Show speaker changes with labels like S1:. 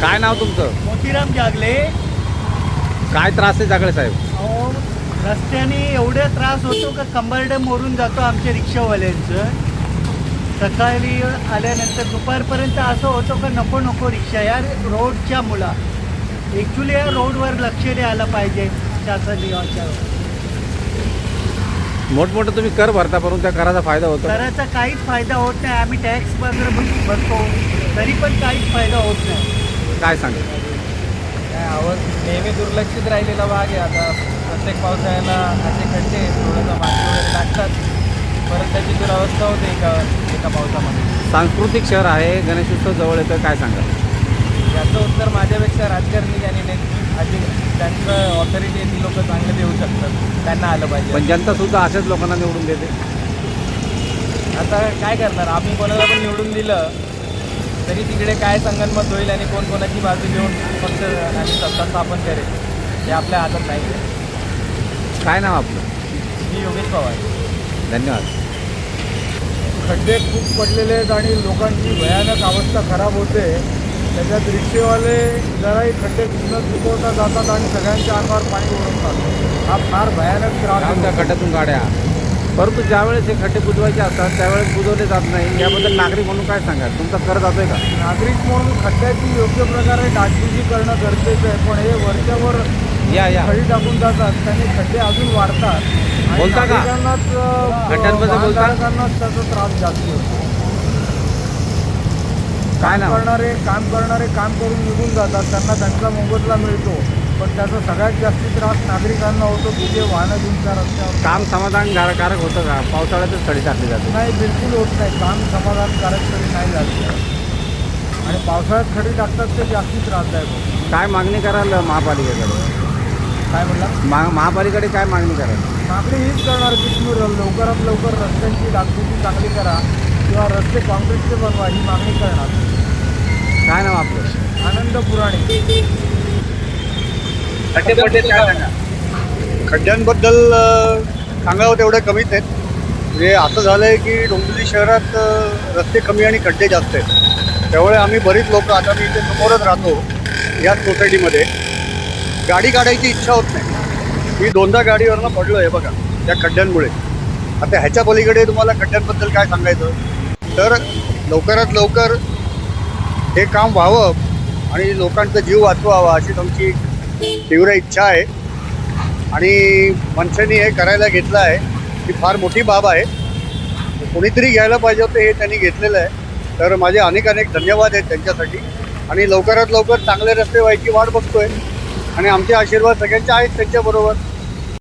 S1: काय नाव तुमचं?
S2: मोतीराम जागले.
S1: काय त्रास आहे जागळे साहेब?
S2: अहो, रस्त्याने एवढा त्रास होतो का कंबरडे मोडून जातो आमच्या रिक्षावाल्यांचं. सकाळी आल्यानंतर दुपारपर्यंत असं होतं का नको नको रिक्षा या रोडच्या मुला. ॲक्च्युली या रोडवर लक्ष द्यायला पाहिजे शासनाच्या.
S1: मोठमोठं तुम्ही कर भरता परंतु त्या कराचा फायदा होतो?
S2: कराचा काहीच फायदा होत नाही. आम्ही टॅक्स वगैरे भरतो तरी पण काहीच फायदा होत नाही.
S1: काय सांगा?
S3: काय आवाज नेहमी दुर्लक्षित राहिलेला भाग आहे. आता प्रत्येक पावसाळ्याला असे खड्डे थोडंसं माती वगैरे लागतात, परत त्याची दुरावस्था होते एका पावसामध्ये.
S1: सांस्कृतिक शहर आहे, गणेशोत्सव जवळ येतं, काय सांगा?
S3: याचं उत्तर माझ्यापेक्षा राजकारणी ज्यांनी आधी त्यांचं ऑथॉरिटी आहे ती लोक चांगले देऊ शकतात, त्यांना आलं पाहिजे.
S1: पण जनता सुद्धा अशाच लोकांना निवडून देते.
S3: आता काय करणार, आम्ही कोणाला पण निवडून दिलं तरी तिकडे काय संगनमत होईल आणि कोण कोणाची बाजू घेऊन फक्त आणि सत्ता स्थापन करेल हे आपल्या हातात नाही आहे.
S1: काय नाव आपलं?
S3: मी योगेश पवार.
S1: धन्यवाद.
S4: खड्डे खूप पडलेले आहेत आणि लोकांची भयानक अवस्था खराब होते. त्याच्यात रिक्षेवाले जराही खड्डे न चुकवता जातात आणि सगळ्यांच्या अंगावर पाणी ओढतात. हा फार भयानक त्रास
S1: त्या
S4: होतो.
S1: खड्ड्यातून गाड्या, परंतु ज्यावेळेस हे खड्डे बुजवायचे असतात त्यावेळेस बुजवले जात नाही. याबद्दल नागरिक म्हणून काय सांगा? तुमचा कर जातोय का?
S4: नागरिक म्हणून खड्ड्याची योग्य प्रकारे डागडुजी करणं गरजेचं आहे, पण हे वरच्यावर
S1: या
S4: खडी टाकून जातात त्याने खड्डे अजून वाढतात आणि
S1: बोलता का? खड्ड्यांबद्दल बोलता?
S4: वाहनधारकांनाच त्याचा त्रास जास्त होतो.
S1: काय नाव?
S4: काम करणारे काम करून निघून जातात, त्यांना त्यांचा मोबदला मिळतो, पण त्याचा सगळ्यात जास्ती त्रास नागरिकांना होतो की जे वाहनं घेऊन त्या रस्त्यावर.
S1: काम समाधानकारक होतं का? पावसाळ्यातच थडी टाकली जाते.
S4: नाही, बिलकुल होत नाही. काम समाधानकारक तरी नाही झालं आणि पावसाळ्यात खडी टाकतात ते जास्ती त्रासदायक होतं.
S1: काय मागणी कराल महापालिकेकडे?
S4: काय म्हटलं?
S1: महापालिकेकडे काय मागणी कराल?
S4: मागणी हीच करणार की तुम्ही लवकरात लवकर रस्त्यांची डागडुजी चांगली करा किंवा रस्ते कॉन्क्रीटचे बनवा, ही मागणी करणार.
S1: काय नाव आपलं?
S4: आनंद पुराणे.
S5: खड्ड्यांबद्दल सांगावं तेवढे कमीच आहेत. म्हणजे असं झालं आहे की डोंबिवली शहरात रस्ते कमी आणि खड्डे जास्त आहेत. त्यामुळे आम्ही बरीच लोक, आता मी इथे समोरच राहतो याच सोसायटीमध्ये, गाडी काढायची इच्छा होत नाही. मी 2दा गाडीवरनं पडलो आहे बघा त्या खड्ड्यांमुळे. आता ह्याच्या पलीकडे तुम्हाला खड्ड्यांबद्दल काय सांगायचं, तर लवकरात लवकर हे काम व्हावं आणि लोकांचा जीव वाचवावा अशीच आमची तीव्र इच्छा आहे. आणि मनसेने हे करायला घेतलं आहे ही फार मोठी बाब आहे. कोणीतरी घ्यायला पाहिजे होतं, हे त्यांनी घेतलेलं आहे. तर माझे अनेक धन्यवाद आहेत त्यांच्यासाठी. आणि लवकरात लवकर चांगले रस्ते व्हायची वाट बघतोय आणि आमचे आशीर्वाद सगळ्यांचे आहेत त्यांच्याबरोबर.